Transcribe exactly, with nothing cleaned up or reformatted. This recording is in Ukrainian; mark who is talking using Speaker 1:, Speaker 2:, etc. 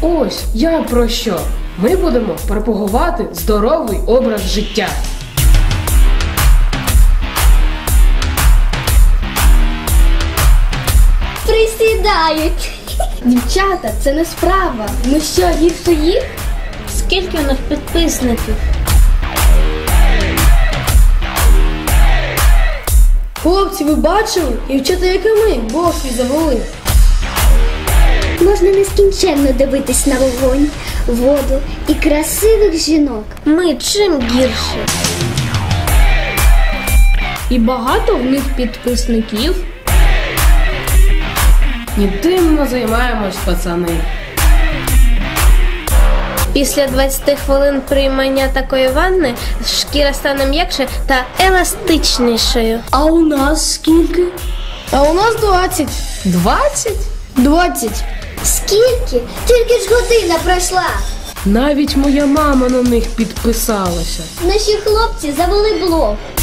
Speaker 1: Ось я про що. Ми будемо пропагувати здоровий образ життя.
Speaker 2: Присідають. Дівчата, це не справа. Ми що, гірше їх?
Speaker 3: Скільки у них підписників?
Speaker 2: Хлопці, ви бачили? Дівчата, як і ми, бошлі завели.
Speaker 4: Можна нескінченно дивитись на вогонь, воду і красивих жінок.
Speaker 3: Ми чим гірше?
Speaker 2: І багато в них підписників.
Speaker 1: І тим ми займаємось, пацани.
Speaker 3: Після двадцяти хвилин приймання такої ванни шкіра стане м'якше та еластичнішою.
Speaker 2: А у нас скільки? А у нас двадцять.
Speaker 1: Двадцять?
Speaker 2: Двадцять.
Speaker 4: Скільки? Тільки ж година пройшла.
Speaker 1: Навіть моя мама на них підписалася.
Speaker 4: Наші хлопці завели блог.